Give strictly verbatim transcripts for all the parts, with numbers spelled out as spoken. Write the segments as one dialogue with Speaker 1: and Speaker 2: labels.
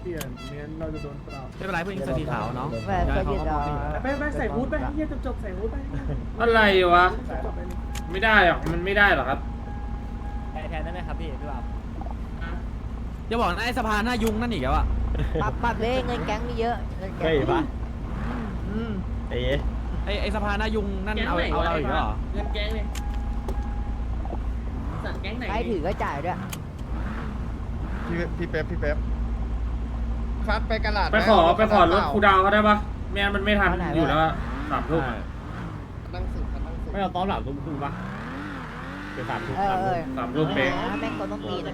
Speaker 1: เปลี่ยนเน้นเราจะโดนปรับ
Speaker 2: ไม่เป็นไรเพื่อนสีขาวเนาะ
Speaker 3: แหวนก็ยืดอ่ะ
Speaker 1: ไปไปใส่ฮูดไปเฮียจบจบใส่ฮูดไป
Speaker 4: อะไรวะ
Speaker 1: จบจบไป
Speaker 4: ไม่ได้หรอกมันไม่ได้หรอกครับ
Speaker 5: แทนได้ไหมครับพี่พี่บ่าว
Speaker 2: อย่าบอกนะไอ้สะพานหน้ายุงนั่นอีกแล้วอ่ะ
Speaker 3: ปรับปรับเลยเงินแก๊งมีเยอะเงินแก๊
Speaker 6: เฮ้
Speaker 3: ง
Speaker 6: ยปะ
Speaker 1: อืม
Speaker 6: เอ๊ะ
Speaker 2: ไอ้ไอ้สะพานหน้ายุงนั่นเอาเอาเราอีกแล้วเหรอ
Speaker 1: เงินแก๊งเลยสัตว์แก๊งไหน
Speaker 3: ใครถือก็จ่ายด้วย
Speaker 7: พี่พี่เป๊ปพี่เป๊ปฟัดไปกระดาษ
Speaker 4: ไปขอไปขอรถครูดาวเขาได้ปะแม่งั้นมันไม่ทันอยู่แล้วอะสามทุ่มอะ
Speaker 7: นั่งสืบนั่งสืบ
Speaker 6: ไม่เอาต้อมหลับทุ่มทุ่มปะเป็นสามทุ่ม
Speaker 3: เออ
Speaker 6: สาม
Speaker 3: เอ
Speaker 6: ทุ่ม
Speaker 3: อ
Speaker 4: สามทุ่มเป๊ะ
Speaker 3: แม่งกดต้องตีน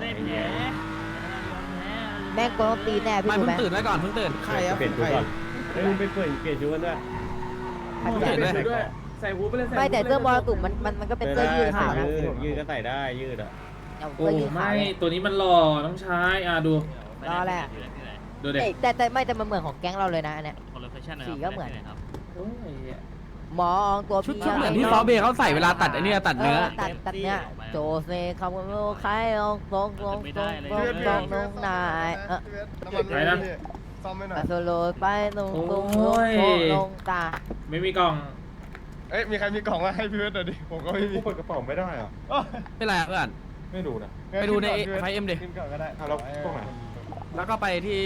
Speaker 3: แม่งกดต้องตีนแน่พี่
Speaker 2: ไม่
Speaker 3: ดู
Speaker 2: เพิ่
Speaker 3: ไหม
Speaker 2: งตื่นไว้ก่อนเพิ่งตื่น
Speaker 7: ใครอะ
Speaker 6: เปลี่ยนชุดก่อนเฮ้ยมึงไปเปลี่ยนเปลี่ยนชุดกันด้วย
Speaker 3: ใคร
Speaker 1: เป
Speaker 3: จ่า
Speaker 1: ลี่
Speaker 3: ย
Speaker 1: ยนด้วยใส่ฮูดไปเลยใส่
Speaker 3: ไม่แต่เสื้อบอลตุ่มมันมันมันก็เป็นเสื้อยืดขาวนะ
Speaker 6: ยืดก็ใส่ได้ยืดอ่ะ
Speaker 3: เอา
Speaker 4: โอ้
Speaker 3: เสื้อยืดขา
Speaker 4: ไม่
Speaker 3: วเลย
Speaker 4: ตัวนี้มันหล่อต้องใช้อ่ะดู
Speaker 3: รอแหละ
Speaker 4: ดูเด็ก
Speaker 3: เอ้ยแต่แต่ไม่แต่มันเหมือนของแก๊งเราเลยนะอันเนี้ย
Speaker 5: คนละแฟชั่นนะ
Speaker 3: สีก็เหมือน
Speaker 5: ครับ
Speaker 3: หมอตัว
Speaker 2: ชุด
Speaker 3: พี่
Speaker 2: ชุดเหมือนที่ซอเบย์เขาใส่เวลาตัดไอ้นี่ตัดเนื้อ
Speaker 3: ตัดตัดเนื้อโจเซคำว่าโลใครลองลองลองลองลองลองลงนายเออ
Speaker 7: น้ำมันพี่ซ่อมไม่หน่อย
Speaker 3: ปาโซโลไปลงลงลงลงตา
Speaker 4: ไม่มีกล่อง
Speaker 7: เอ้ยมีใครมีกล่องมาให้พี่เวทหน่อยดิผมก็ไม่มี
Speaker 8: กูเปิดกระเป๋าไม่ได้อะ
Speaker 2: เป็นไรเพื่อน
Speaker 8: ไม่รู้นะ
Speaker 2: ไปดูในไฟเอ็มดิ
Speaker 7: ขึ้นก่อนก็ได้
Speaker 8: อ่ะแล้วตรงไหน
Speaker 2: แล้วก็ไปที่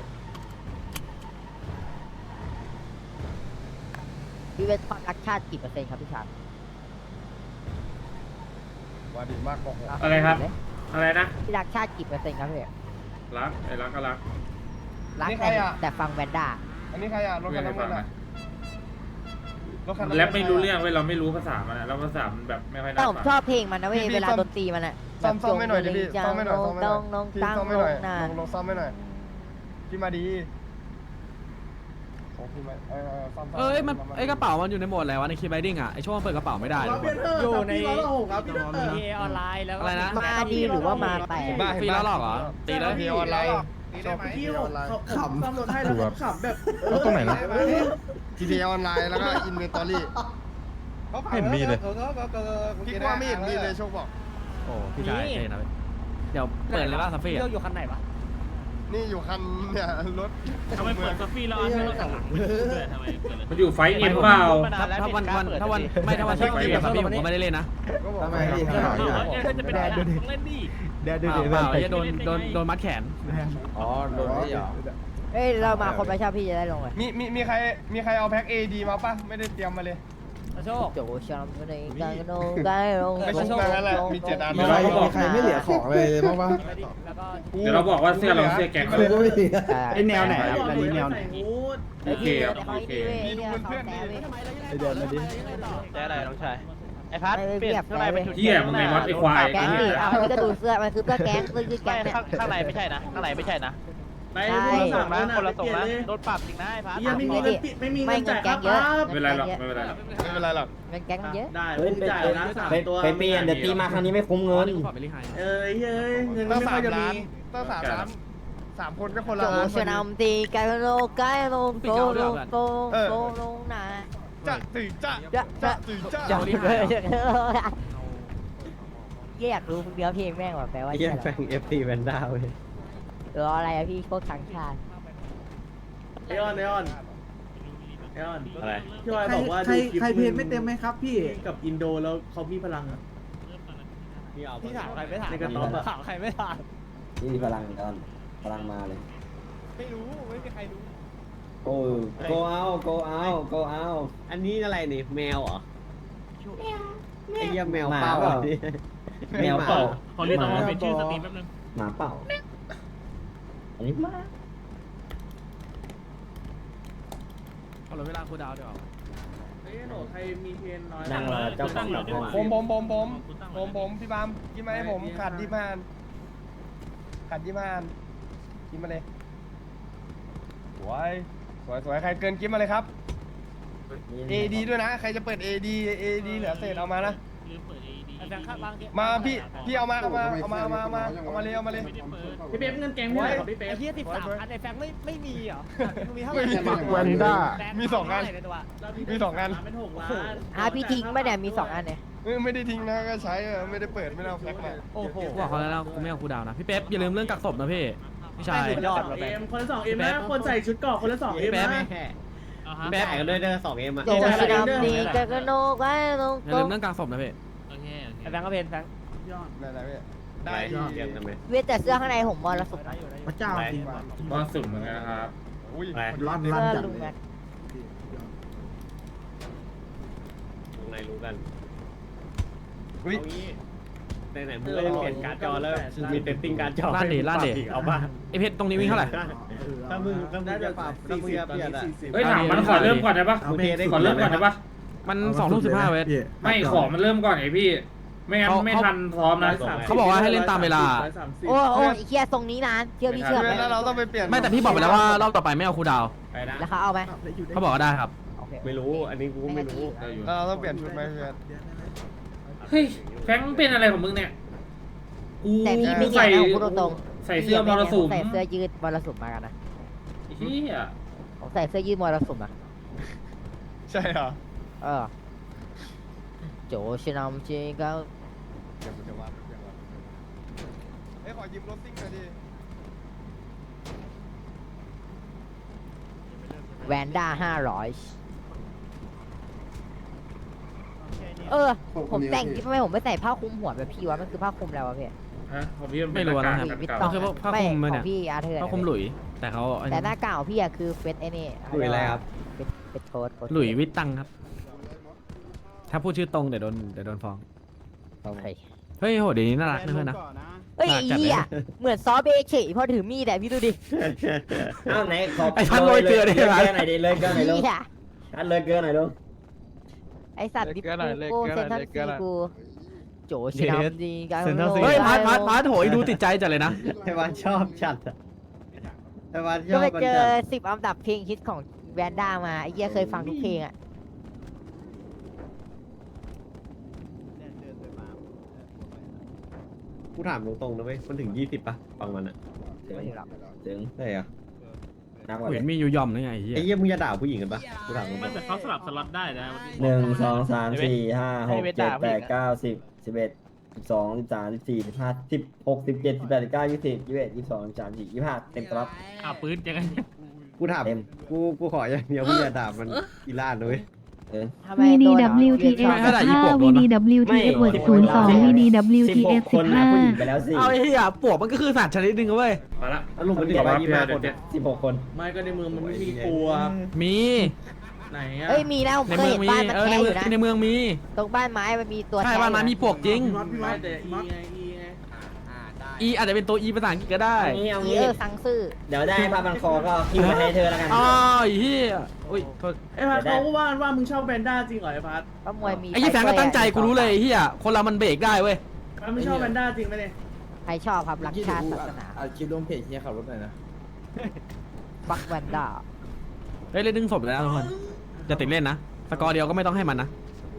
Speaker 3: พี่เวทความรักชาติกี่เปอร์เซ็นต์ครับพี่ชาติ
Speaker 7: ว่าดีมากบอก
Speaker 4: อะไรครับ อะไรนะ
Speaker 3: พี่รักชาติกี่เปอร์เซ็นต์ครับพี่
Speaker 4: รักไอ้รักก็รัก
Speaker 3: รักแต่แต่ฟังแวนด้า
Speaker 7: อันนี้ใครอ่ะรถคันน้ำเงินอ่ะรถคันน้ำเงิน
Speaker 4: แล้วไม่รู้เรื่องเว้ยเราไม่รู้ภาษามันอะแล้วภาษามันแบบไม่ค่อย
Speaker 3: แต่
Speaker 4: น่า
Speaker 3: ผม
Speaker 4: ฟัง
Speaker 3: ชอบเพลงมันนะเว้ยเวลาดนตรีมันอะ
Speaker 7: ซ่อมซ่อมไม่หน่อยดิพี่ซ่อมไม่หน่อยซ่อมไม่หน่
Speaker 3: ต้
Speaker 7: อ
Speaker 3: อย งน้อง
Speaker 7: พี่
Speaker 3: ตั้ง
Speaker 7: ซ่อมไม่
Speaker 3: ล
Speaker 7: หน่อย
Speaker 3: งนา
Speaker 7: ลงลงซ่อมไม่หน่อยพี่มาดีของพี่มาเออซ่อม
Speaker 2: เอ้ยมันไอ้กระเป๋ามันอยู่ในโหมดอะไรวะในคีย์ไบดิ้งอ่ะไอ้ช่วงมันเปิดกระเป๋าไม่ได้เลย
Speaker 5: อยู่ใน
Speaker 1: ร้อยละหกครับพี่
Speaker 5: เอออนไลน์แล้ว
Speaker 2: อะไรนะ
Speaker 3: มาดีหรือว่ามาแต่
Speaker 2: ฟรีแล้วหรอกเหรอตีเลย
Speaker 7: พี่ออนไลน์
Speaker 1: ชอบพี่ออนไลน์ขำซ่อมรถให้แล้วขำแบบ
Speaker 8: แล้วตรงไหนนะ
Speaker 7: ทีพีออนไลน์แล้วก็อินเวนทอรี่
Speaker 8: เห็นมีเลย
Speaker 7: คิดว่าไม่เห็นมีเลยโชคบอก
Speaker 2: โอ้พี่ชายเท่นะเดี๋ยวเปิดเลยว่าซัฟฟี่
Speaker 5: เลือกอยู่คันไหนวะ
Speaker 7: นี่อยู่คันเนี่ยรถ
Speaker 5: ทำไมเปิดซัฟฟี่แล้วเอาให้รถข้างหลังด้วยทำไมเปิด
Speaker 4: มันอยู่ไฟเอ็มเปล่า
Speaker 2: ถ้าถ้าวันวันถ้าวันไม่ถ้าวันที่คุยกับซัฟฟี่ผมก็ไม่ได้เล่นนะ
Speaker 7: ก็บอก
Speaker 8: ทำไมพี่ทำไม
Speaker 5: ถ้าจะเป็นอะไรต้องเล่นดิ
Speaker 8: เดี๋ยว
Speaker 2: เป
Speaker 8: เดี๋ยว
Speaker 2: ล่า
Speaker 8: เดี๋ยว
Speaker 2: เปล่าไอ้โดนโดนโดนมัดแขน
Speaker 6: อ๋อโดนไม่หรอ
Speaker 3: เอ้ยเรามาคนประชาพี่จะได้ลงเลย
Speaker 7: มีมีมีใครมีใครเอาแพ็คเอดีมาป่ะไม่ได้เตรียมมาเลย
Speaker 5: โชค
Speaker 3: โจชามในการโนได้ลง
Speaker 7: ไม่ใช่แค่นั้นแหละมีเจ็ดอัน
Speaker 8: มีใครมีใครไม่เหลือของเลยบ้างปะ
Speaker 5: แล้วก็
Speaker 4: เดี๋ยวเราบอกว่าเสื้อเราเสื้อแก๊ง
Speaker 8: กูก็ไม่เหลือ
Speaker 1: ไอแนวไหนครับอันนี้แนวไหน
Speaker 4: โอเคครับโอเค
Speaker 3: มีดูเพื่อน
Speaker 8: ไอเดือนมาดิ
Speaker 6: ได้อะไรน้องชายไอ้พัด
Speaker 3: ไม่
Speaker 6: เปลี่ยน
Speaker 3: เรียบ
Speaker 6: ข้างในเป็นชุด
Speaker 4: เหี้ยมึงไงวัดไอ้ควาย
Speaker 3: แก๊งดิเอาอันนี้ก็ดูเสื้อมันคือเสื้อแก๊งเสื้อยืดแก๊งเนี่ย
Speaker 6: ข้างในไม่ใช่นะข้างในไม่ใช่นะ
Speaker 1: ไป
Speaker 6: ส่งนะคนละส่งนะโดนปรับจริงนะไอ้พัด
Speaker 1: ยังไม่มีเงินไม่มีเงินจ่ายครับ
Speaker 4: ไม่เป็นไรหรอกไม่เป็นไรหรอก
Speaker 7: ไม่เป็นไรหรอก
Speaker 3: เงินแก๊งมันเยอะ
Speaker 1: ได้ผมจ่ายนะสามตัว
Speaker 6: ไปเปลี่ยนเดี๋ยวตีมาครั้งนี้ไม่คุ้มเงิน
Speaker 2: ขอไปรีไฮ
Speaker 1: เอ้ยเอ้ยเงิน
Speaker 7: ตั้ง
Speaker 1: ไม่ค่
Speaker 7: สา
Speaker 1: อย
Speaker 7: ม
Speaker 1: จะมี
Speaker 7: ล้านตั้งสามล้านสามคนก็คนละ
Speaker 3: โจ
Speaker 7: ล้าน
Speaker 3: ชนำตีกันโลกายลงโตลงโตโตลงนา
Speaker 7: จะตื่นจะ
Speaker 3: จะ
Speaker 7: จะ
Speaker 3: จะ
Speaker 7: ตื่นจะ
Speaker 3: จะอยากรู้เนื้อเพลงแม่งว่าแปลว่า
Speaker 6: เยี่ยแฟงเอฟซีแวนด้าเว้ย
Speaker 3: รออะไรอะพี่พวกทางชาติ
Speaker 1: ไอออนไอออนไอออน
Speaker 6: อะไร
Speaker 1: พี่วายบอกว่าใครใครเพจไม่เต็มไหมครับพี่กับอินโดแล้วเขามีพลังอะ
Speaker 6: พี่เอา
Speaker 5: พี่ถามใครไม่ถาม
Speaker 1: ในกระต๊อบอะ
Speaker 5: ถามใครไม่ถาม
Speaker 9: นี่พลังตอนพลังมาเลย
Speaker 5: ไม่รู้ไม่มีใครรู้
Speaker 9: โอ้โกเอาโกเอาโกเอา
Speaker 6: อันนี้อะไรนี่แมวเหรอไอ้เหี้ยแมว
Speaker 9: หมา
Speaker 6: เป้า
Speaker 9: เปล่า
Speaker 6: ดิ
Speaker 9: แมวเปล่า
Speaker 5: ขอเรียกน้องมาเป็นชื่อสตรีมแป๊บนึง
Speaker 9: หมาเปล่าอันนี้หมา
Speaker 2: เอาเวลาคูดาวเดี๋ยว
Speaker 1: เฮ้ยโหนใครมีเพนน้อย
Speaker 9: นั่งรอเจ้าของแบบห้อง
Speaker 7: ผมผมผมผมผมผมพี่บามกินมาให้ผมขาดดิมานขาดดิมานกินมาเลยสวยสวยสวยใครเกินกินมาเลยครับ เอ ดี ด้วยนะ ใครจะเปิด เอ ดี เอ ดี เหลือเศษเอามานะ
Speaker 5: ลืมเปิด เอ ดี อาจารย์คาดบางที
Speaker 7: มาพี่พี่เอามาเอามาเอามาเอามาเอามาเอามาเลยเอามาเลย
Speaker 5: ไม่ได้เปิด
Speaker 1: พี่เป๊ปเงินแกงเท่าไหร่ครับพี่เป๊
Speaker 5: ไอ้
Speaker 1: ป
Speaker 5: เหี้ยสิบสามอันในแฟงไม่ไม่มีเหรอมึงมีเท่าไห
Speaker 7: ไม่
Speaker 5: ร่
Speaker 7: มี
Speaker 8: แวนด้า
Speaker 7: มีสองอัน
Speaker 5: ในตัว
Speaker 7: มีสองอัน
Speaker 1: เป็นหกล้าน
Speaker 3: อ่ะพี่ทิ้งไม่ได้มีสองอันเนี่ย
Speaker 7: เออไม่ได้ทิ้งนะก็ใช้เออไม่ได้เปิดไม่ได้เอาแฟลกมา
Speaker 5: โอ้โห
Speaker 2: กูบอกเขาแล้วนะกูไม่เอาคูดาวนะพี่เป๊ปอย่าลืมเรื่องกักศพนะพี่พี่ชาย
Speaker 1: คนละสองเอ็มคนละสองเอ็มนะคนใส่ชุดเกราะคนละสองเอ็ม
Speaker 2: แป๊บ
Speaker 1: นะ
Speaker 5: เอาฮะ
Speaker 9: แบ่งกันด้วยเด้อสองเอ็มอ่ะ
Speaker 3: โจชนำดีกันก็โนกไว้ตรง
Speaker 2: อย่า
Speaker 3: ตร
Speaker 2: ลื
Speaker 3: ง
Speaker 2: มเรื่องกลางศพนะพี่
Speaker 5: โอเคโอเค
Speaker 6: แบงค์ก็เป็นแบงค์
Speaker 7: ได้ได้พี่
Speaker 9: ได้เรียนกันไหม
Speaker 3: เวียแต่เสื้อข้างในผมมรสุม
Speaker 8: พระเจ้าจริงว่ะ
Speaker 4: ก็สุ่มเหมือนกันนะครับ
Speaker 7: อุ้ย
Speaker 9: ไป
Speaker 8: ร้อน
Speaker 3: เสื้
Speaker 8: ร้อน
Speaker 3: อ
Speaker 8: จัด
Speaker 3: ลุง
Speaker 8: เล
Speaker 3: แม็
Speaker 8: ย
Speaker 3: ก
Speaker 9: ตรงไหนรู้กัน
Speaker 7: อุ้ย
Speaker 9: เอางี้ไหนๆมึงก็จะเปลี่ยนการ์ดจอแล้วมีเซตติ้งการ์ดจอ
Speaker 2: ลั่นดิลั่นดิ
Speaker 9: เอาป่ะ
Speaker 2: ไอเพชรตรงนี้วิ่งเท่าไหร่
Speaker 9: ถ้ามึงถ้ามึงจะปรับถ้ามึงจะเปลี่ยนอ่ะ
Speaker 4: เฮ้ยถามมันขอเริ่มก่อนได้ปะ
Speaker 9: มึงเทได้
Speaker 4: ขอเริ่มก่อนได้ปะ
Speaker 2: มันสองทุ่มสิบห้าเวท
Speaker 4: ไม่ขอมันเริ่มก่อนไอพี่ ไม่งั้น
Speaker 2: เขา
Speaker 4: ไม่ทันซ้อมนะ
Speaker 2: เขาบอกว่าให้เล่นตามเวลา
Speaker 3: โอ้โอ้ไอ้เคียทรงนี้นานเชื่อพี่เชื่อไหม
Speaker 7: แล้วเราต้องไปเปลี่ยน
Speaker 2: ไม่แต่พี่บอกไปแล้วว่ารอบต่อไปไม่เอาครูดาว
Speaker 9: ไปนะ
Speaker 3: แล้วเขาเอาไหม
Speaker 2: เขาบอกว่าได้ครับ
Speaker 3: โอเค
Speaker 9: ไม่รู้ อันนี้กูก็ไม่รู้
Speaker 7: แล้วเราต้องเปลี่ยนชุดไหมพี่
Speaker 4: เฮ้ยแฟงค์เป็นอะไรของมึงเนี่ยกู
Speaker 3: แต่พี่ไม่เกี่ย
Speaker 4: ใส่
Speaker 3: วนะผมพูดตรงๆ
Speaker 4: ใส่เสื้อมรสุม
Speaker 3: ใส่เสื้อยืดมรสุมมากันนะ
Speaker 4: เฮีย
Speaker 3: ผมใส่เสื้อยืดมรสุมอ่ะ
Speaker 7: ใช่เหรอ
Speaker 3: เออโจชนำจีก็
Speaker 7: เดี๋ยวเดี๋ยวว่าเดี๋ยวว่าเฮ้ยขอยิ้มรถซิ่งหน่อยดิ
Speaker 3: แวนด้าห้าร้อยเออ ผมแต่งทำไมผมไม่ใส่ผ้าคลุมหัวแบบพี่วะมันคือผ้าคลุมแล้ววะพี่
Speaker 4: ฮะของพี่มัน
Speaker 2: ไม่
Speaker 4: เป็น
Speaker 2: รู้
Speaker 4: หน้า
Speaker 2: นะ
Speaker 4: กาก
Speaker 3: วิต
Speaker 4: เก่า
Speaker 3: ตอง
Speaker 2: คือผ้า
Speaker 3: ไม่
Speaker 2: คลุมไหม
Speaker 3: ข
Speaker 2: เนี่
Speaker 3: อย งพี่อาร์เธอร์
Speaker 2: เขาคุมหลุย แต่เขาอัน
Speaker 3: แต่
Speaker 2: นี้
Speaker 3: หน้าเก่าพี่อะคือเฟสไอ้นี่
Speaker 9: หลุยอะไรครับ
Speaker 3: เป็นเป็นโทษโทษ
Speaker 2: หลุยวิตตังครับ ถ้าพูดชื่อตรงเดี๋ยวโดนเดี๋ยวโดนฟ้อง
Speaker 3: โอเค
Speaker 2: เฮ้ยโหเดี๋ยวนี้น่ารักนะเพื่อนนะ
Speaker 3: เอ้ย
Speaker 2: น่า
Speaker 3: ไอ้
Speaker 2: จัดเลย
Speaker 3: เหี้ยเหมือนซอเบเฉยพอถือมีดแต่พี่ดูดิ
Speaker 9: อ้าวไหนขอ
Speaker 2: ไอ้พันโรยเกลือได้ไหม
Speaker 9: เกลือหน่อยดิเลยเกลือหน่อยลูก
Speaker 3: เหี้ย
Speaker 9: อันเลยเกลือหน่อยลูก
Speaker 3: ไอสัตว์ดิปูโก้เซนทันซีกูโจชินำดีกัน
Speaker 2: เฮ้ยพาร์ทพาร์ทพาร์ทโหยดูติดใจจัดเลยนะ
Speaker 9: ไอ้วันชอบจัดอะไอ้วันช
Speaker 3: ก็
Speaker 9: อบ
Speaker 3: ไป
Speaker 9: มัน
Speaker 3: เจอ
Speaker 9: จัด
Speaker 3: สิบอันดับเพลงฮิตของแวนด้ามาไอ้เหี้ยเคยฟังทุกเพลงอ่ะ
Speaker 9: กูถามตรงๆนะเว้ยมันถึงยี่สิบป่ะฟังมันอะ
Speaker 3: ไม่ถึงหรอก
Speaker 9: ถึงใช่เหรอนับก่อน
Speaker 2: เห็นมีอยู่ย่อมนึงไงไอ้เหี้ย
Speaker 9: ไอ้เหี้ยมึงจะด่าผู้หญิงกันปะกูถามตรง
Speaker 5: มันแต่เขาสลับสล็อตได้นะวันนี้
Speaker 6: หนึ่งสองสามสี่ห้าหกเจ็ดแปดเก้าสิบสิบเอ็ดสิบสองสิบสามสิบสี่สิบห้าสิบหกสิบเจ็ดสิบแปดสิบเก้ายี่สิบยี่สิบเอ็ดยี่สิบสองยี่สิบสามยี่สิบยี่สิบห้าเต็มตลอด
Speaker 5: อ้าวปืนยังไง
Speaker 9: ๆกูถาม
Speaker 6: เต็ม
Speaker 9: กูกูขออย่างเดียวมึงอย่าด่ามันอีล่านเลย
Speaker 6: เออ
Speaker 3: ทำไม
Speaker 10: วี
Speaker 3: โด
Speaker 10: ดี
Speaker 3: นเหร
Speaker 10: ดั
Speaker 3: อบ
Speaker 10: ลิวที
Speaker 3: เรียน
Speaker 10: เอ
Speaker 3: ช
Speaker 10: ฟ
Speaker 3: อบ
Speaker 10: สิบห้าวีดีดับลิวทีเอฟเวิร์ดศูนย์สองวีดีดับลิว
Speaker 6: สิบ
Speaker 10: ที
Speaker 6: ห
Speaker 10: เอก ฟ
Speaker 6: ค
Speaker 10: สิ
Speaker 6: น
Speaker 10: บ
Speaker 6: นะ
Speaker 10: ห้า
Speaker 6: ผู้หญิงไปแล้วสี่
Speaker 2: เอาไอ้เหี้ยปวกมันก็คือสัตว์ชนิดหนึงเว้ย
Speaker 4: มาละ
Speaker 9: แล้วลุงมันเหลือมายี่สิบห้าคน
Speaker 6: สิบหกคน
Speaker 1: ไม่ก็ในเมืองมันไม่มีตัว
Speaker 2: มี
Speaker 1: ไหนอะ
Speaker 3: เอ้ยมีนะผม
Speaker 2: ใน
Speaker 3: เคย
Speaker 2: เมือง
Speaker 3: เห็น
Speaker 2: มี
Speaker 3: บ้านมัน
Speaker 2: เออ
Speaker 3: แท้
Speaker 2: ใน
Speaker 3: อ
Speaker 2: เมือง
Speaker 3: ยู่นะ
Speaker 2: ในเมืองมี
Speaker 3: ตรงบ้านไม้มันมีตัว
Speaker 2: ใช่
Speaker 3: แท้
Speaker 2: บ้านไม้มีปวกจริง
Speaker 1: ไม่แต่อีไงอีไง
Speaker 2: อีอาจจะเป็นตัวอีภาษาอังกฤษก็ได้
Speaker 6: เอางี้เอา
Speaker 3: อี
Speaker 6: งี้
Speaker 3: เออซังซื่อ
Speaker 6: เดี๋ยวได้ผ้าพันคอก็คิวมาให้เธอแล้วกัน
Speaker 2: อ๋อไอ้เหี้ยอุ้ยโทษ
Speaker 1: ไอ้พัดเขาก็ว่าว่ามึงชอบแบนด้าจริงเหรอไอ้พัด
Speaker 3: ก็มวยมี
Speaker 2: ไอ้ยี่แฟงก็ตั้งใจกูรู้เลยไอ้เหี้ยคนเรามันเบรกได้เว้ย
Speaker 1: มันไม่ชอบแบนด้าจริงไหมเนี่ย
Speaker 3: ใครชอบครับรักชาติศาสนา
Speaker 8: อาคลิปลงเพจเฮียขับรถหน่อยนะ
Speaker 3: บักแวนด้า
Speaker 2: เฮ้ยเล่นดึงศพเลยนะทุกคนจะติดเล่นนะสกอร์เดียวก็ไม่ต้องให้มันนะ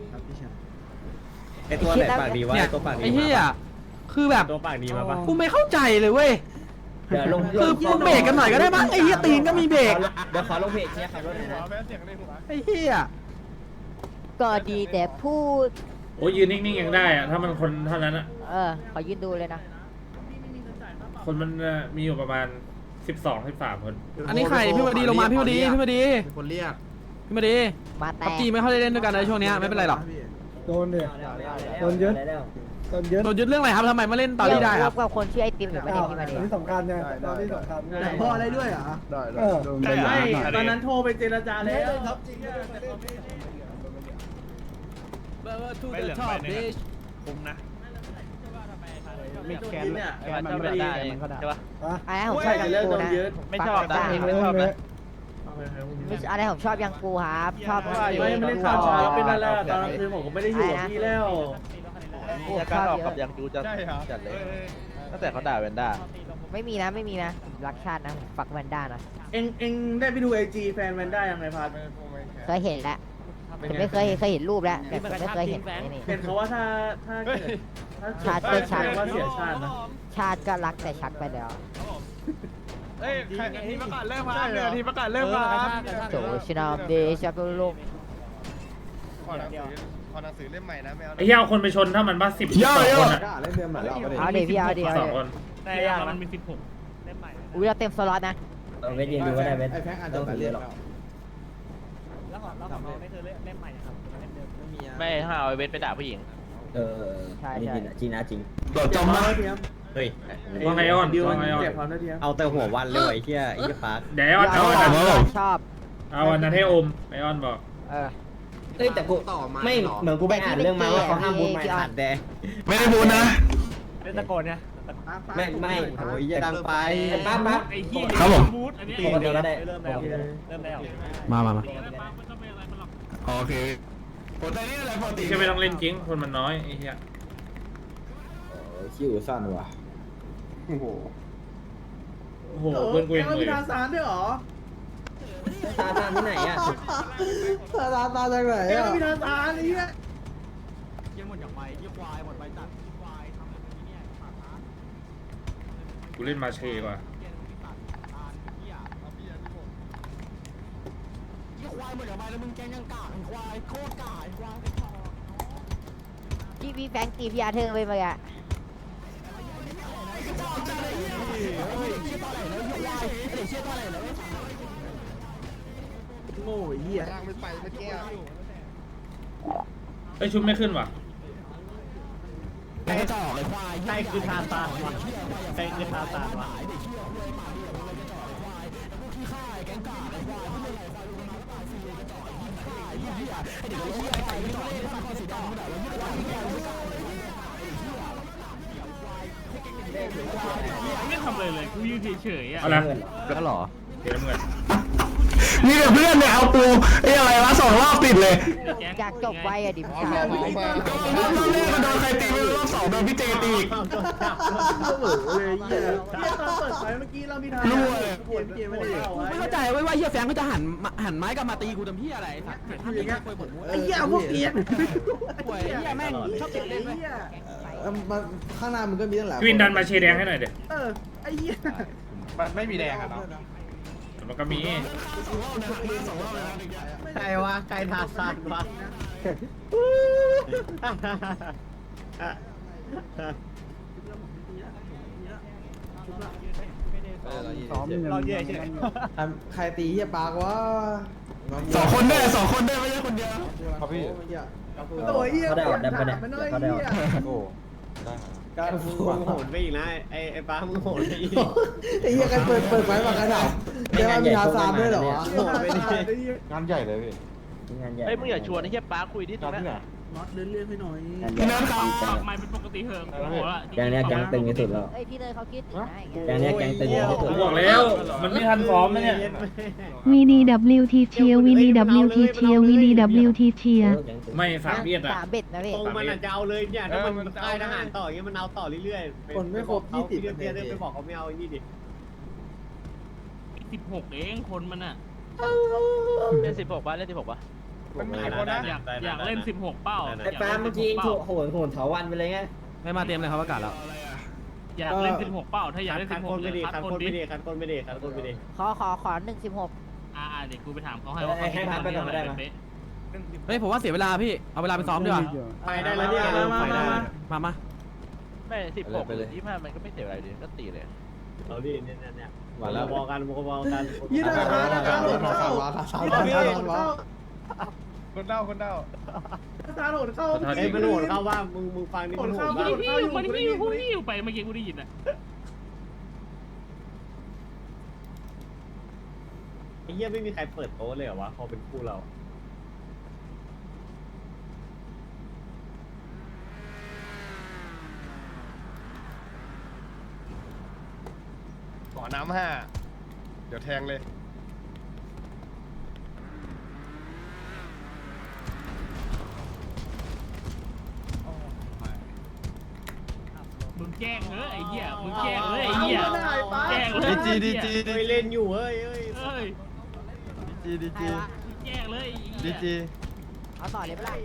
Speaker 9: ไอ้ตัวไหนปากดีวะ
Speaker 2: เนี่ย
Speaker 9: ไอ้ตัวปากดี
Speaker 2: ไอ้เหี้ยคือแบบ
Speaker 9: ตัวปากดีมาปะ
Speaker 2: กูไม่เข้าใจเลยเว้ย
Speaker 6: เดี๋ยวลง
Speaker 2: คือมึงเบรกกันหน่อยก็ได้มั้งไอ้เหี้ยตีนก็มีเบรก
Speaker 6: เดี๋ยวขอลงเพจเฮียขับรถหน่อย
Speaker 7: หัว
Speaker 6: นะ
Speaker 7: แพ้เสียงในหัว
Speaker 2: ไอ้เหี้ย
Speaker 3: ก็ดีแต่พูด
Speaker 4: โอ้ยยืนนิ่งๆยังได้อะถ้ามันคนเท่านั้นอะ
Speaker 3: เออขอยืนดูเลยนะ
Speaker 4: คนมันเอ่อมีอยู่ประมาณสิบสองสิบสามคน
Speaker 2: อันนี้ใครพี่มาดีลงมาพี่มาดีพี่มาดี
Speaker 8: คนเรียก
Speaker 2: พี่มาดี
Speaker 3: มาแต่
Speaker 2: พับจีไม่ค่อยได้เล่นด้วยกันในช่วงเนี้ยไม่เป็นไรหรอก
Speaker 8: โดนเดือด โดนเยอะ โดนเยอะ
Speaker 2: โดนยึดเรื่องอะไรครับทำไมมาเล่นตอนนี้ได้ครับ
Speaker 3: เยวกับคนชื่อไอติมหรือไม่ได้พี่มาดี
Speaker 8: นี่สำคัญเนี่ยตอนนี้สำคัญ
Speaker 1: แต่พ่ออะไรด้วยเหรอ
Speaker 8: ได้ได้โดน
Speaker 1: ไม่
Speaker 8: ไป
Speaker 1: ตอนนั้นโทรไปเจรจาแล้ว
Speaker 5: ไม่เหลืองไปเนี่ยคุ้มนะ
Speaker 1: ไม่แค้นเนี่ย
Speaker 5: แคนมันไม่ได้ใช่ปะ
Speaker 3: อะไรผมชอบยังกูนะ
Speaker 5: ไม่ชอบนะไม่ชอบนะ
Speaker 3: ไม่อะไรผมชอบยังกูครับชอบ
Speaker 1: ไม่ไม่ได้ข่าวเช้าเป็นอะไรอะตอนกลางคืนผมก็ไม่ได้อยู่กับพี่แล้ว
Speaker 3: จะการออกกับยัง
Speaker 7: ใช่เหรอจัดเลย
Speaker 5: ตั้งแต่เขาด่าแวนด้า
Speaker 3: ไม่มีนะไม่มีนะรักชาตินะฝักแวนด้านะ
Speaker 1: เอ็งเอ็งได้ไปดูไอจีแฟนแวนด้ายังไงพัด
Speaker 3: เคยเห็นแล้วแต่ไม่เคยเคยเห็นรูปแล้วแต่ไม่เคยเห็นนี่
Speaker 1: เห็นเขาว่าถ้าถ้าเกิดถ้า
Speaker 3: ชาติเป็นชาติ
Speaker 1: ว่าเสียชาตินะ
Speaker 3: ชาติก็รักแต่ชักไปแล้ว
Speaker 7: เฮ้ยใครทีประกาศเริ่มมาเดี๋ยวทีประกาศเริ่มมา
Speaker 3: โจชินามเดชาตุลง
Speaker 7: ขอหนังสือขอหนังสือเล่มใหม่นะไม่เอา
Speaker 4: ไอ้เหี้ยเอาคนไปชนถ้ามันบ้าสิบสองคนอะ
Speaker 8: เล่นเดือนเหมือนเราไปเลย
Speaker 3: เอาเดี๋ยวพี่เอาเดี๋ยว
Speaker 4: สองคน
Speaker 5: แต่ยามันมีสิบหกเล่มใหม่
Speaker 3: อุ้ยเราเต็มสล็อตนะ
Speaker 6: เออเวทยืนดูก็ได้เวท
Speaker 8: ไอ้แพ็คอาจ
Speaker 6: ต้
Speaker 8: จะ
Speaker 6: อง
Speaker 8: ไป
Speaker 6: ถือ
Speaker 8: เรียก
Speaker 6: หรอก
Speaker 8: แล้วของแล้วของเราไม่เคยเล่นใหม่นะครับเล่มเดิมไม่มี
Speaker 5: ไม่ถ้าเอาเวทไปด่าผู้หญิง
Speaker 6: เออเอออันนี้จริงนะจริงนะจริง
Speaker 1: โดดจมมาเทียม
Speaker 9: เฮ้ย
Speaker 4: ว่าไงออน
Speaker 1: ดิว
Speaker 4: ว่าไงออน
Speaker 1: เก็บความได้เทียม
Speaker 9: เอาแต่หัววันเลยไอ้เหี้ยไอ้เหี้ยปาร์ค
Speaker 4: เดี๋ยวไอออนเอาอันนั้น
Speaker 3: ชอบ
Speaker 4: เอาอันนั้นให้อมไอออนบอก
Speaker 3: เออ
Speaker 6: เอ้ยแต่กูไม่เหมือนกูไปอ่านเรื่องมาว่าเขาห้ามบูทไม้ขาดแดง
Speaker 2: ไม่ได้บูนนะ
Speaker 8: เล่นตะโกนเนี่ย
Speaker 6: ไม่ไม่
Speaker 9: โอ้ยอย่าดังไป
Speaker 6: ป้าป้า
Speaker 5: ไอ้เหี้ย
Speaker 2: ครับผม
Speaker 5: บูธอันนี้
Speaker 6: ปกติก็ได้
Speaker 8: เริ่มแล้วเริ่มแล้ว
Speaker 2: มามามา
Speaker 5: ไม่ต้องไปอะไรมันหรอก
Speaker 2: โอเคปกตินี่อะไรปกติ
Speaker 4: แค่ไม่ต้องเล่นจริงคนมันน้อยไอ้เหี้ย
Speaker 6: คิวสั้นว่ะ
Speaker 4: โอ้โหเพื่อนกูยัง
Speaker 1: แก
Speaker 4: เห
Speaker 1: มี
Speaker 4: นื่อย
Speaker 1: ทาสานด้วยเหรอ
Speaker 6: ตาตาที่ไหนอ่ะ
Speaker 8: ตาตาตาจากไหน
Speaker 1: แก
Speaker 8: อ่ะ
Speaker 1: มีทาสานไอ้เหี้ย
Speaker 4: กูเล่นมาเชว่ะ
Speaker 3: พี่พี่แฟงตีพี่อาเธอร์ไปเมื่อกี้
Speaker 1: โง่ไอ้เหี้ย
Speaker 4: ไอยชุดไม่ขึ้นว่ะ
Speaker 2: ใครจะออกเลยควาย
Speaker 9: ใครคือทาตานวะใครคือทาตานวะ
Speaker 5: ไม่ทำเลยเลยกูยืนเฉยๆอ่ะ
Speaker 4: เอาละ
Speaker 2: ก็หรอ
Speaker 4: เดี๋ยวน้ำเงิน
Speaker 2: มีแต่เพื่อนเนี่ยเอาปูไอ้อะไรวะสองรอบติดเลย
Speaker 3: อยากจบไวอะดิพี่
Speaker 2: รอบแรกมันโดนใครตีไม่รู้รอบสองโดนพี่เจตีอีก
Speaker 1: เสมอเลยเหี้ยเหี้ยตอนเปิดไฟเมื่อกี้เรามีทา
Speaker 2: รั่วเลย
Speaker 1: เกมเกมไม่ได้เอา
Speaker 2: กู
Speaker 1: ไว้
Speaker 2: ไม่เข้าใจเว้ยว่าเฮียแฟงก็จะหันมาหันไม้กลับมาตีกูทำเฮียอะไรสัตว์ทำอย่างเงี้ย
Speaker 1: ไอ้เหี้ยพวกเกียร์
Speaker 2: ป่วยเฮียแม่งชอบติดเล่น
Speaker 1: ไอ้
Speaker 2: เว้ย
Speaker 1: เหี้ย
Speaker 8: มันข้างหน้ามันก็มีตั้งหลาย
Speaker 4: กวินดันมาเชแดงให้หน่อยเดี๋ยว
Speaker 1: เออไอ้เหี้ย
Speaker 7: มันไม่มีแดงอะเนาะ
Speaker 4: มันก็มี
Speaker 9: ใครวะใครทาตานวะ
Speaker 8: เราเย่ใช่ไหมใครตีเฮียปากวะ
Speaker 2: สองคนด้วยสองคนด้วยไม่ใช่คนเดียว
Speaker 8: ครับพี่
Speaker 1: ตัวเหี้ย
Speaker 6: เขาได้ออกได้ปะเนี่ย
Speaker 1: มันน้อย
Speaker 6: เขาได้ออก
Speaker 1: เหี้ย
Speaker 8: การฟู
Speaker 9: มึงโหดไปอีกนะไอ้ไอ้ปาร์คมึงโหดไปอีก
Speaker 8: ไอ้เฮียใครเปิดเปิดไฟมากระดาษเดี๋ยวมีทาซานด้วยเหรอวะ
Speaker 1: โหดไปดิ
Speaker 7: งานใหญ่เลยพี่
Speaker 6: งานใหญ่
Speaker 5: เฮ้ยมึงอย่าชวนไอ้เหี้ยป้าคุยที่ตรงนั้น
Speaker 1: น็อตเลื่อนเลื่อนให้หน่อย
Speaker 2: พี่เนิร์ดครับ
Speaker 5: ปากไม่เป็นปกติเหอะโอ้โหละ
Speaker 6: แกงเนี้ยแกงตึงที่สุดแล้ว
Speaker 3: เอ้ยพี่เลยเขาคิดถึงนะอย่างเงี้ย
Speaker 6: แกงเนี้ยแกงตึงที่สุ
Speaker 4: ผ
Speaker 6: ด
Speaker 4: มบอกแล้ว มันไม่ทันฟอร์มนะเนี่ย
Speaker 10: วี ดี ดับเบิลยู ที เชียร์ วี ดี ดับเบิลยู ที เชียร์ วี ดี ดับเบิลยู ที เชียร์
Speaker 4: ไม่สามเบียดอ่ะ
Speaker 3: สามเบ็ดนะพี่
Speaker 9: ตรงมันอาจจะเอาเลยเนี่ยถ้ามันค่ายทหารต่ออย่างเงี้ยมันเอาต่อเรื่อยๆ
Speaker 8: คนไม่ครบยี่สิบ
Speaker 9: เตี้ยๆไปบอกเขาไม่เอาไอ้นี่ดิ
Speaker 5: สิบหกเองคนมันอ่ะ
Speaker 9: เล่นสิบหกป่ะเล่นสิบหกป่ะ
Speaker 7: มันมีคนนะ
Speaker 5: อยากอยากเล่นสิบหกเป้า
Speaker 6: ไอ้ปาเมื่อกี้โหโหนโหนเถาวันไปเลยไง
Speaker 2: ไม่มาเตรียมเลยครับอากาศแล้ว
Speaker 5: อยากเล่นสิบหกเป้าถ้าอยากเล่น
Speaker 9: คั
Speaker 5: สิ
Speaker 9: น
Speaker 5: บห
Speaker 9: ค
Speaker 5: ก
Speaker 9: นไม่ดี
Speaker 5: คั
Speaker 9: คัน
Speaker 5: น
Speaker 9: ค
Speaker 5: คน น
Speaker 9: ไม่
Speaker 5: ดิ
Speaker 9: ดีคันคนไม่ดีคันคนไม่ดี
Speaker 3: ขอขอขอหนึ่งสิบหก
Speaker 5: อ่าเดี๋ยวกูไปถามเขาให้ว่าเขาคิดเท่าไหร่เป๊ะ
Speaker 2: เฮ้ยผมว่าเสียเวลาพี่เอาเวลาไปซ้อมดีกว่า
Speaker 9: ไปได้แล้วเนี่ยไปได้
Speaker 2: มามา
Speaker 5: ไม่สิบหกหรือยี่ห้ามันก็ไม่เสียอะไรดีก็ตีเลย
Speaker 9: เอาดิเนี่ยเนี่ยเนี่ยมาแล้วมองกันมองมองกัน
Speaker 1: ยี่ทาสานทาสานโหดเข้า
Speaker 8: ทาซาน
Speaker 1: ยี่
Speaker 8: ทา
Speaker 1: ทา
Speaker 8: ซาน
Speaker 1: สานโหดเข้า
Speaker 7: คนเด้าคนเด้า
Speaker 1: ทาสานโหดเข้า
Speaker 9: เฮ้ยมันโหดเข้าว่ามึงมึงฟังนี่มันโหด
Speaker 5: มันหิ้วมันหิ้วมันหิ้วไปเมื่อกี้กูได้ยินอ่ะ
Speaker 9: ไอ้เหี้ยไม่มีใครเปิดโต๊ะเลยเหรอวะพอเป็นคู่เรา
Speaker 7: ขอน้ำห้าเดี๋ยวแทงเลย
Speaker 5: มึงแจ้งเฮ้ยไอ้เหี้ยมึงแจ้งเฮ้ยไอ้เหี้ยแจ้งเลย
Speaker 7: ดีจีดีจี
Speaker 9: เฮ้ยเล่นอยู่เฮ้ยเฮ้ย
Speaker 5: เฮ้ย
Speaker 7: ดีจีดีจี
Speaker 5: แจ้งเลย
Speaker 7: ดีจี
Speaker 3: เอาต่อเลยเปล่า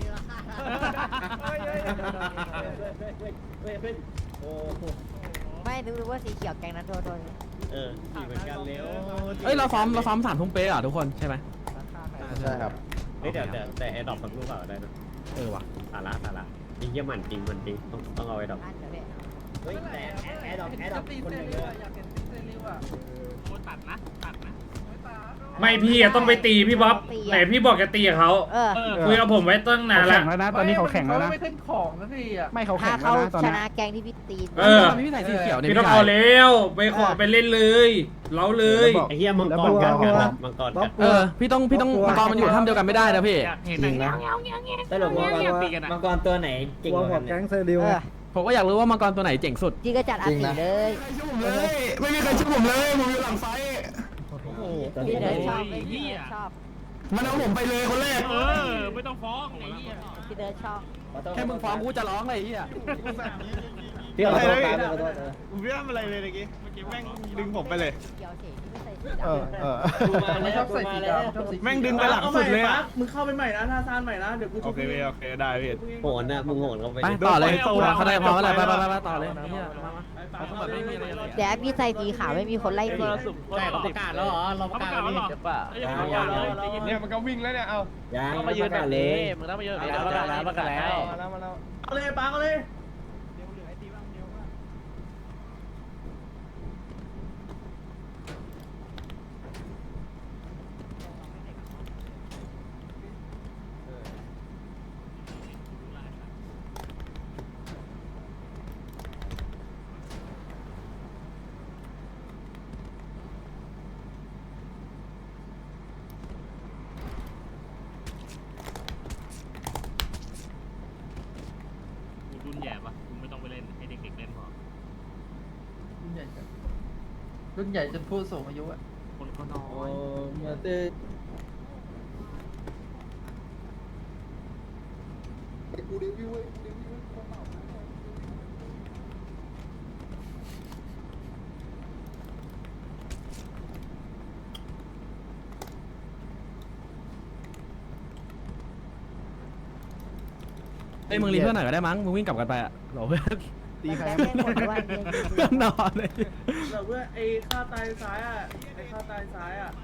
Speaker 9: โอ้โห
Speaker 3: ไม่รู้ว่าสีเขียวแกงนั้นโทษโทษ
Speaker 9: เออดีเหมือนกันเร็ว
Speaker 2: เฮ้ยเราซ้อมเราซ้อมสามทุ่มเป๊ะอ่ะทุกคนใช่ไหม
Speaker 8: ใช่ครับ
Speaker 9: เฮ้ยแต่แต่แต่แอร์ดรอปสักลูกเปล่าได้นะ
Speaker 2: เออว่ะ
Speaker 9: สาระสาระจริงเยี่ยมันจริงมันจริงต้องต้องเอาไอ้ดอก
Speaker 3: ร้านเดี๋ยวเนี่ย
Speaker 9: เฮ้ยแต่แอร์ดรอปแอร์ดรอปคนหนึ่งเลย
Speaker 5: ตัดนะตัดนะ
Speaker 4: ไม่พี่อะต้องไปตีพี่บ๊อบไหนพี่บอกจะตีกับเขา
Speaker 3: เออ
Speaker 5: เออ
Speaker 4: คุยกับผมไว้ตั้งนานละ
Speaker 2: แล้วนะตอนนี้เขาแข่งแล้วนะ
Speaker 1: ไม่ขึ้นของนะพี่อ่ะ
Speaker 2: ไม่เขา
Speaker 3: ถ้า
Speaker 2: แข่งแล้
Speaker 3: เขา
Speaker 2: วนะตอน
Speaker 3: ช
Speaker 2: นี้
Speaker 3: นะแกงที่พี่ตี
Speaker 4: เออ
Speaker 2: พี่ใส่สีเขียวเนี่ย
Speaker 4: พี่ต้องเอาแล้วไปขอไปเล่นเลยเล้าเลย
Speaker 9: ไอ้เหี้ยมังกรกันกันมังกรกัน
Speaker 2: เออพี่ต้องพี่ต้องมังกรมันอยู่ถ้ำเดียวกันไม่ได้นะพี่
Speaker 5: อยากเห็นนะ
Speaker 6: สรุปมังกร
Speaker 5: ตีกันอะ
Speaker 6: มังกรตัวไหนเก่งกว่ากันเนี่ย
Speaker 3: เออ
Speaker 2: ผมก็อยากรู้ว่ามังกรตัวไหนเจ๋งสุด
Speaker 3: พี่ก็จัดอาตีเลย
Speaker 2: ไม่มีใครช่วยผมเลยผมอยู่หลังไฟ
Speaker 3: พี่เดินชอบ
Speaker 5: ไอ้เหี้ย
Speaker 3: ชอบ
Speaker 2: มันเอาผมไปเลยคนแรก
Speaker 5: เออไม่ต้องฟ้องไอ้เหี้ย
Speaker 3: พี่เดินชอบ
Speaker 2: แค่มึงฟ้องกูจะร้องเลยไอ้เหี้ย
Speaker 6: พี่ขอโทษครับพี่ขอโทษเออ
Speaker 7: ผมไม่ทำอะไรเลยเมื่อกี้เมื่อกี้แม่งดึงผมไปเลย
Speaker 3: เกี่ยวเฉยพี่ไม่ใส่สีดำ
Speaker 7: เออเออ
Speaker 1: ไม่ชอบใส่สีดำชอบสี
Speaker 7: แม่งดึงไปหลังสุดเลยอะ
Speaker 1: มึงเข้าไปใหม่นะท่าซานใหม่นะเดี๋ยวกู
Speaker 7: โอเคพี่โอเคได้พี่
Speaker 9: โหนนะมึงโหนเข้าไป
Speaker 2: ไปต่อเลยเขาได้พร้อมอะไรไปไปไปต่อเลยเหี้ยมามา
Speaker 3: เดี๋ยวพี่ใส่สีขาวไม่มีคนไล่ตี
Speaker 9: แต่เขาประกาศแล้วเหรอเราประกาศแล้วนี่
Speaker 7: เนี่ยมันก็วิ่งแล้วเนี่ยเอา
Speaker 6: ยัง
Speaker 8: ต้องมายืนแบบ
Speaker 6: เล
Speaker 8: นี้
Speaker 6: ย
Speaker 8: มึงต้องมายืนแบบนี้ประกาศแล้วประกาศแล้ว
Speaker 7: มาแล้วมาแล้ว
Speaker 1: เอาเลยปังเอาเลย
Speaker 5: รุ่นใหญ่ปะคุณไม่ต้องไปเล่นให้เด็กๆเล่นพอ
Speaker 1: รุ่นใหญ่จัดรุ่นใหญ่จนผู้สูงอายุอ่ะ
Speaker 5: คนเขาน้อย
Speaker 6: มาเต้
Speaker 2: ไอ้มึงรีเพื่อนหน่อยก็ได้มั้งมึงวิ่งกลับกันไปอ่ะหรอเพื่อน
Speaker 3: ตีใครไม่หมดด้วย
Speaker 2: เพื่อนนอนเลย
Speaker 1: เดี๋ยวเพื่อนไอ้ข้าตายซ้ายอ่ะไอ้ข้าตายซ้ายอ่ะ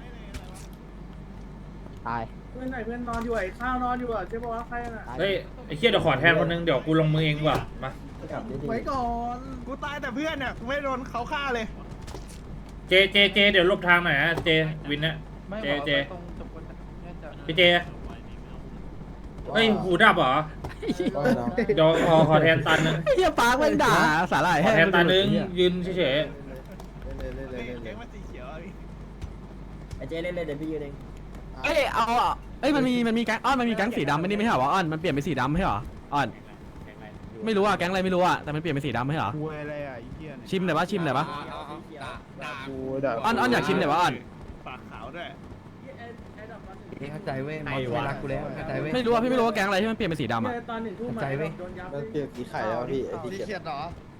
Speaker 3: ตาย
Speaker 1: เพื่อนไหนเพื่อนนอนอยู่ไอ้ข้าวนอนอยู่อ่ะใช่ป่าวใครน่ะ
Speaker 4: เฮ้ยไอ้เคียเดี๋ยวขอแทนคนนึงเดี๋ยวกูลงมือเองดีกว่ามา
Speaker 6: กลับดี
Speaker 1: ไว้ก่อน
Speaker 7: กูตายแต่เพื่อนเนี่ยกูไม่โดนเขาฆ่าเลย
Speaker 4: เจเจเจเดี๋ยวหลบทางหน่อยนะเจวินนะ
Speaker 1: ไม่
Speaker 4: เจ
Speaker 1: บอก
Speaker 4: เจ
Speaker 1: ตรงจบกันน่าจะ
Speaker 4: พี่เจเฮ้ยหูดับเหรอ
Speaker 6: ๆ
Speaker 4: เดี๋ยวขอขอแทนตันนึง
Speaker 2: ไอ้เหี้ยปากมันด่าสาหร่าย
Speaker 4: ขอ
Speaker 2: แห้ง
Speaker 4: แทนตันนึงยืนเฉย
Speaker 7: แก๊งมันสีเขียวอะพี่
Speaker 6: ไอ้เจ๊เล่นเลยเดี๋ยวพี่ยืนเอง
Speaker 2: เอ้ยเอาอ่ะเอ้ยมันมีมันมีแก๊งอ้อนมันมีแก๊งสีดำไม่นี่ไม่ใช่เหรออ้อนมันเปลี่ยนเป็นสีดำไม่ใช่เหรออ้อนไม่รู้อ่ะแก๊งอะไรไม่รู้อ่ะแต่มันเปลี่ยนเป็นสีดำไม่ใช่เหรอ
Speaker 7: กูอะไรอ่ะไอ้เหี้ย
Speaker 2: ชิมหน่อยปะชิมหน่อยปะ
Speaker 7: กูด่า
Speaker 2: อ้อนอ้อนอยากชิมหน่อยปะอ้อน
Speaker 7: ปากขาวด้วย
Speaker 8: เข้าใจเว้ยมอสไม่รักกูแล้วเข้าใจเว้ย
Speaker 2: ไม่รู้อ่ะพี่ไม่รู้ว่าแก๊งอะไรที่มันเปลี่ยนเป็นสีดำอ่ะ
Speaker 1: ตอนหนึ่งทุ่ม
Speaker 8: ใจเว้ย
Speaker 1: โดนยับ
Speaker 6: มันเปลี่ยนสีไข่แล้วพี่ไอ้ที่เขียน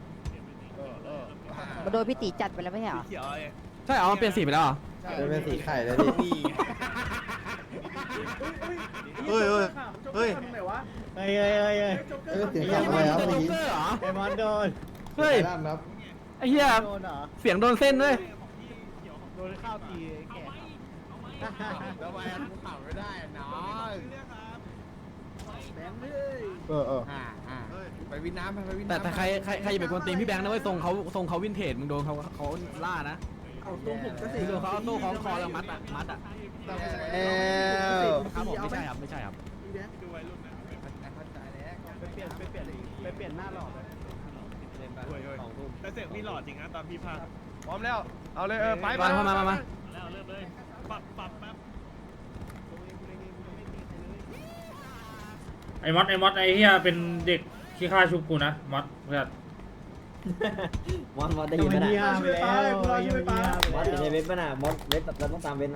Speaker 3: มาโดนพี่ตีจัดไปแล้วไม่ใช่เหรอ
Speaker 7: เขียวไอ้
Speaker 2: ใช่เอามันเปลี่ยนสีไปแล้วเหรอ
Speaker 6: เป็นสีไข่แล้วพี่
Speaker 1: เฮ้ยเฮ้ยเฮ้ยไหนวะ
Speaker 9: เฮ้ยเฮ้ยเฮ้ยเฮ้ย
Speaker 6: เออสีไข่แล้ว
Speaker 2: โด
Speaker 6: เมื่อน กี้
Speaker 2: เซอร์เหรอ
Speaker 9: ไอ้มอนโดน
Speaker 2: เฮ้ย
Speaker 6: ล่ามครับ
Speaker 2: ไอ้เหี้ย
Speaker 9: โดนเหรอ
Speaker 2: เสียงโดนเส้นด้วย
Speaker 9: โดนข้าวตีแก่แล้วไปกูขับไม่ได้น้อง
Speaker 1: แบงค์เลย
Speaker 7: เออเออ
Speaker 9: อ่าอ่าไปวินน้ำไปวิน
Speaker 2: แต่
Speaker 9: น้ำ
Speaker 2: แต่ใครใครใครอย่าไปกวนตีนพี่แบงค์นะเว้ยทรงเขาทรงเขาวินเทจมึงโดนเขาเขาล่านะ
Speaker 1: เอาตัวผมก็
Speaker 2: มึ
Speaker 1: สิ
Speaker 2: งโดนเขาเอาโซ่คล้องคอแล้วมัดอ่ะมัดอ่ะ
Speaker 9: เอว
Speaker 2: ครับผมไม่ใช่ครับไม่ใช่ครับ
Speaker 9: เข้าใจแล้ว
Speaker 7: ไปเปลี่ยนไปเปลี่ยนไปเปลี่ยนหน้าหล่อเลย
Speaker 9: เล่นไปสองทุ่ม
Speaker 7: แต่เสียงพี่หล่อจริงนะตอนพี่พากพร้อมแล้วเอาเลยเออไป
Speaker 2: มามามามามา
Speaker 5: แล้วเริ่มเลย
Speaker 7: ปรับปรับแป๊บ
Speaker 4: ๆไอ้มอสไอ้มอสไอ้เฮียเป็นเด็กขี้ข้าชุบกูนะมอสเพื่อน
Speaker 6: มอสมอสได้ยินไหมน่ะ
Speaker 1: ช่วยป้าเลยกูรอช่วยป้าม
Speaker 6: อสอยู่ในเว็บป่ะน่ะมอสเว็บเราต้องตามเว็บนะ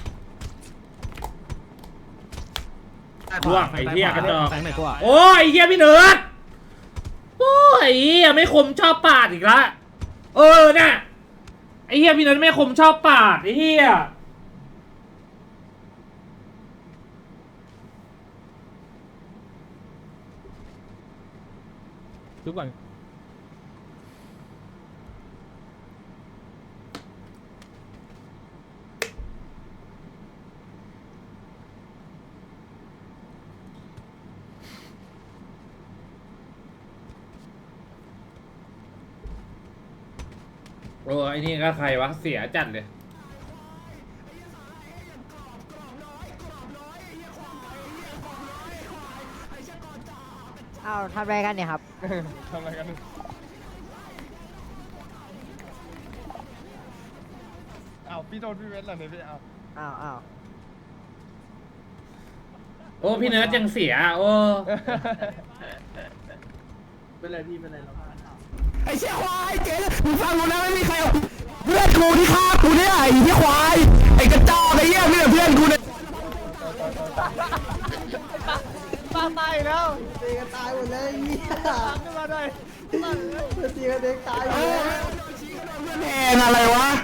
Speaker 4: พวกไอ้เฮียกระจอก
Speaker 2: แสงไหนกว่า
Speaker 4: โอ้ยไอ้เฮียพี่เนิร์ดโอ้ยไอ้เฮียไม่คมชอบปาดอีกละเออน่ะไอ้เฮียพี่เนิร์ดไม่คมชอบปาดไอ้เฮีย
Speaker 2: ทุกวัน
Speaker 4: โอ้ยไอ้นี่ก็ใครวะเสียจัดเลย
Speaker 3: อ้าวทำอะไรกันเนี่ยครับ
Speaker 7: ทำอะไรกันอ้าวพี่โดนพี่เวทเหรอเนี่ยพี่อ้าว
Speaker 3: อ้าวอ้าว
Speaker 4: โอ้พี่เนิร์ดยังเสียโอ้
Speaker 1: เป็นไรพี่เป็นไรเรา
Speaker 2: ไอ้เชี่ยควายเจ๊มึงฟังกูนะไม่มีใครเอาเพื่อนกูที่ฆ่ากูเนี่ยไอ้เหี้ยควายไอ้กระจอกไอ้เหี้ยไม่ใช่เพื่อนกูเนี่ย
Speaker 7: ป้าตายแล้ว
Speaker 1: ตีกันตายหมดเลยเหี้ย
Speaker 7: ขึ้นมาได้
Speaker 1: ตีกันเองตายหมดเลย
Speaker 2: แทนอะไรวะ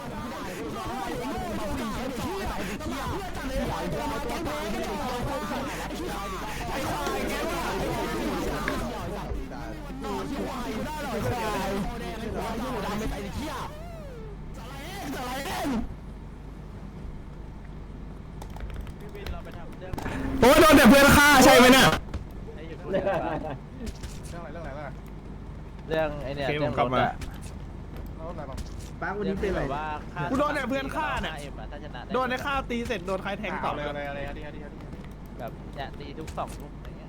Speaker 2: โอ้ยโดนแต่เพื่อนฆ่าใช่ไหมเนี่ย
Speaker 7: เรื่องอะไรเรื่องอะไรเรื่องอะไร
Speaker 8: เรื่องไอ้เนี่ย
Speaker 9: โอเคผมกลับมา
Speaker 7: แล้วอะไรบ้าง
Speaker 1: ป้าวันนี้เป็นไร
Speaker 8: ว่า
Speaker 9: กูโดนเนี่ยเพื่อนฆ่าเนี่ย
Speaker 8: ถ้าชนะ
Speaker 9: โดนในข้าวตีเสร็จโดนใครแทงต่อ
Speaker 7: อะไร
Speaker 9: เลย
Speaker 7: อะไรอะไรอะไรอะไร
Speaker 8: แบบเนี่ยตีทุกสองทุกอะไรเงี้ย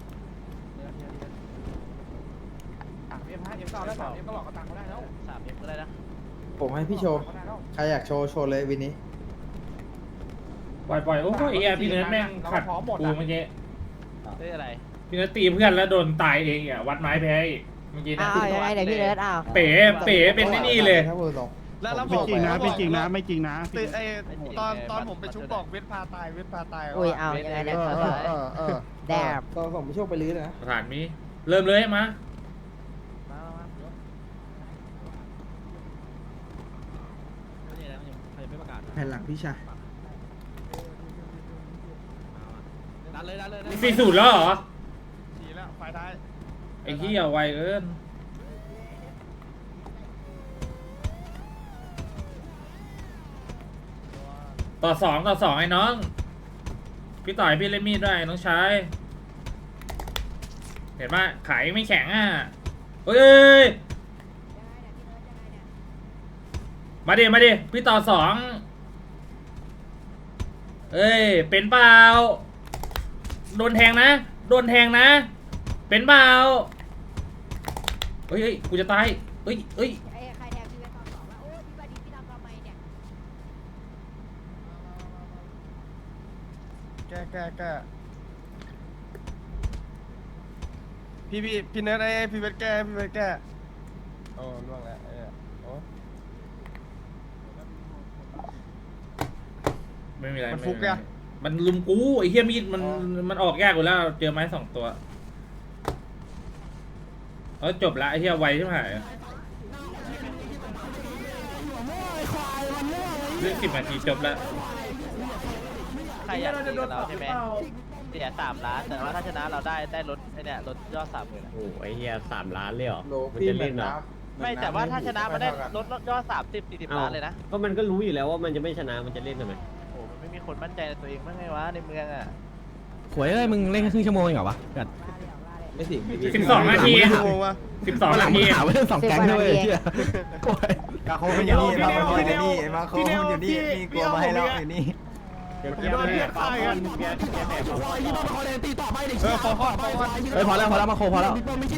Speaker 7: สามเอ็มห้าเอ็มเก้าแล้วสามเอ็มก็หลอกกระตังเขาได้แล้ว
Speaker 8: สามเอ็มก็ได้นะ
Speaker 1: ผมให้พี่โชว์ ใครอยากโชว์โชว์เลยวินนี้
Speaker 4: ปล่อยปล่อยโอ้ยไอ้เหี้ยพี่เนิร์ดแม่งขัดกูเมื่อกี้
Speaker 8: เรื่องอะไร
Speaker 4: พี่เนิร์ดตีเพื่อนแล้วโดนตายเองอ่ะวัดไม้แพ้อีกเมื่อกี้นะ
Speaker 3: อ้าวยังไงเนี่ยพี่เนิร์ดอ้าว
Speaker 4: เป๋เป๋เป็นไอ้นี่เลย
Speaker 7: แล้วแล้ว
Speaker 9: ไม่จริงนะไม่จริงนะไม่จริงนะ
Speaker 7: ไอตอนตอนผมไปชุบบอกเวทพาตายเวทพาตาย
Speaker 3: อุ้ยเอายังไงเนี่ยแดบ
Speaker 1: ตอนผมโชคไปลื้อนะ
Speaker 4: สถานมีเริ่มเลยมา
Speaker 8: มามา
Speaker 1: แผ่นหลังพี่ชาย
Speaker 2: ดันเลยดันเลย
Speaker 4: สี่สูตรแล้วเหรอ
Speaker 7: ทีแล้วไฟท้าย
Speaker 4: ไอ้เหี้ยไวเกินต่อสองต่อสองไอ้น้อง พี่ต่อยพี่เล่นมีดด้วยน้องชายเห็นปะขายไม่แข็งอ่ะเอ้ยมาดิมาดิพี่ต่อสองเอ้ยเป็นเปล่าโดนแทงนะโดนแทงนะเป็นเปล่าเฮ้ยเฮ้ยกูจะตายเฮ้ยเฮ้ย
Speaker 3: ไอ้ใครแทงพี่เวทตอนสองแล้วโอ้พี่บดีพี่ทำทำไมเนี่ย
Speaker 7: แก้แก้แก้พี่พี่พี่เนิร์ดไอ้พี่เวทแก้พี่เวทแก้โอ้ล่วงแล้วไอ้โอ้
Speaker 4: ไม่มีอะไร
Speaker 7: มันฟุกเนี่ย
Speaker 4: มันลุมกูไอ้เหี้ยมีดมันมันออกยากกว่าแล้วเจอไม้สองตัวเออจบละไอ้เหี้ยไวใช่ไหมเรื่องสิบนาทีจบแล้ว
Speaker 8: ใครอยากตีกับเราใช่ไหมเสียสามล้านแต่ว่าถ้าชนะเราได้ได้ลดไอ้เนี่ยลดยอดสามหมื่น
Speaker 6: โอ้ไอเฮียสามล้านเลยเหรอ มัน
Speaker 1: พี่
Speaker 6: จะ
Speaker 1: เหมือ
Speaker 6: เล่
Speaker 1: น
Speaker 6: นเหรอ
Speaker 1: น้ำ
Speaker 8: ไม่แต่ว่าถ้าชนะมันได้ลดยอดสามสิบสี่สิบล้านเลยนะ
Speaker 6: ก็มันก็รู้อยู่แล้วว่ามันจะไม่ชนะมันจะเล่นทำไม
Speaker 8: โอ้มันไม่มีคนมั่นใจในตัวเองบ้างไงวะในเมืองอ่ะ
Speaker 2: หวยเอ้ยมึงเล่นแค่ครึ่งชั่วโมงเองเหรอวะเกิด
Speaker 1: ไม่สิ
Speaker 4: สิบสองนาที
Speaker 7: ชั่วโมงวะ
Speaker 4: สิบสอง
Speaker 2: หลั
Speaker 4: นาง
Speaker 2: มึ
Speaker 4: ที
Speaker 2: งหาไว้เล่นสองแก๊งด้วยเฮียโอ้ย
Speaker 9: กาโคมันอยู่นี่เรามันอยู่นี่มาโคมันอยู่นี่มีกลัวมาให้เราอยู่นี่
Speaker 7: โดนเรียกฆ่ากัน
Speaker 2: ตีต่อไปดิ
Speaker 7: เออพอพอพอพอ
Speaker 2: เฮ้ยพอแล้วพอแล้วมาโคพอแล้ว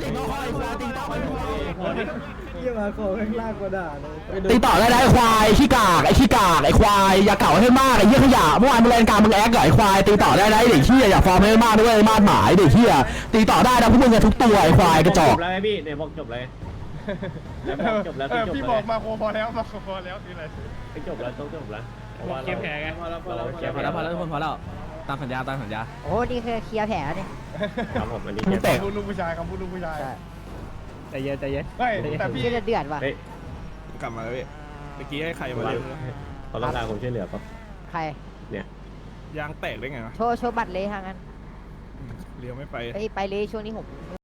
Speaker 1: เยี่ยมาโคแม่งลากกว่าด่าเลย
Speaker 2: ตีต่อได้ได้ควายขี้กากไอ้ขี้กากไอ้ควายอย่าเก่าให้มากไอ้เหี้ยขยะเมื่อวานมึงแรงกลางมึงแอคกับไอ้ควายตีต่อได้ได้เด็กเหี้ยอย่าฟอร์มให้มากด้วยมาดหมายเด็กเหี้ยตีต่อได้นะพวกมึงจะทุกตัวไอ้ควายกระจอก
Speaker 6: จบแล้วไงพี่เนี่ยบอกจบเลยจบแล้ว
Speaker 7: เออ
Speaker 6: จบ
Speaker 7: พี่
Speaker 6: เล
Speaker 7: บอก
Speaker 6: ย
Speaker 7: มาโคพอแล้วมาโคพอแล้วคืออะไร
Speaker 6: ไม่จบแล้วต้องจบแล้วเพราะว่า
Speaker 4: เกมแพ้ไง
Speaker 1: พอแล้วพอแล้ว
Speaker 2: พอแล้วพอแล้วทุกคนพอแล้วตามสัญญาตามสัญญา
Speaker 3: โอ้นี่คือเคลียร์แผลนี่
Speaker 6: ครับผมอันนี้
Speaker 2: มึงเตะ
Speaker 7: คำพูดลูกผู้ชายคำพูดลูกผู้ชาย
Speaker 8: ใจเย็นใจเย็น
Speaker 7: เฮ้ยแต่พี่
Speaker 3: พี่จะเดือดว่ะ
Speaker 6: เฮ้ย
Speaker 9: กลับมาแล้วพี่เมื่อกี้ให้ใครมา
Speaker 6: เขา
Speaker 9: เล่น
Speaker 6: ต้องการผมช่วยเหลือปะ
Speaker 3: ใคร
Speaker 6: เนี่ย
Speaker 9: ยางแตกได้ไงวะ
Speaker 3: โชว์โชว์บัตรเลยทางนั้น
Speaker 9: เลี้ยวไม่ไป
Speaker 3: ไปไปเลยช่วงนี้ผม